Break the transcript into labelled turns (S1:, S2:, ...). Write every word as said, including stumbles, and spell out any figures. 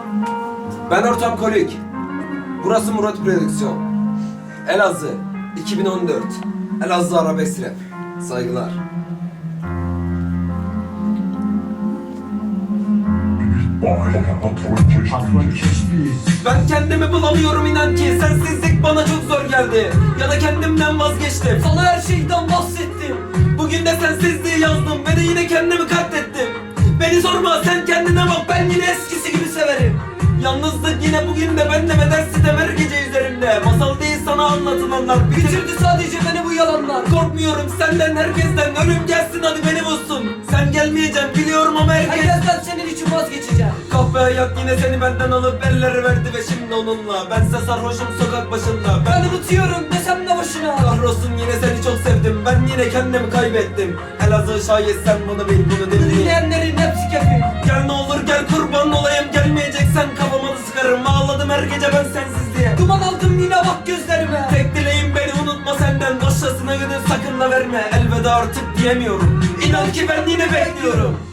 S1: Ben ortam kolik. Burası Murat Prodüksiyon. Elazığ iki bin on dört. Elazığ Arabesk Rap. Saygılar. Ben kendimi bulamıyorum inan ki. Sensizlik bana çok zor geldi. Ya da kendimden vazgeçtim. Sana her şeyden bahsettim. Bugün de sensizliği yazdım ve de yine kendimi katlettim. Beni sorma, sen kendine bak, ben yine eskisi gibi severim. Yalnızlık yine bugün de bende ve dersi de her gece üzerimde. Masal değil sana anlatılanlar, bitirdi sadece beni bu yalanlar. Korkmuyorum senden, herkesten, ölüm gelsin hadi beni bulsun. Sen gelmeyeceksin biliyorum ama herkes... Herkesten senin için vazgeçeceğim. Kahve hayat yine seni benden alıp elleri verdi ve şimdi onunla. Bense sarhoşum sokak başında. Ben, ben unutuyorum desem de boşuna. Kahrolsun yine seni çok sevdim, ben yine kendimi kaybettim. Elazığ şayet sen bunu bil, bunu dinle. Dinleyenlerin hepsi kefil. Gel ne olur gel, kurban olayım, gelmeyeceksen kafama da sıkarım. Ağladım her gece ben sensiz diye. Duman aldım yine bak gözlerime. Tek dileğim beni unutma senden, başkasına gönül sakın da verme. Elveda artık diyemiyorum, İnan ki ben yine bekliyorum.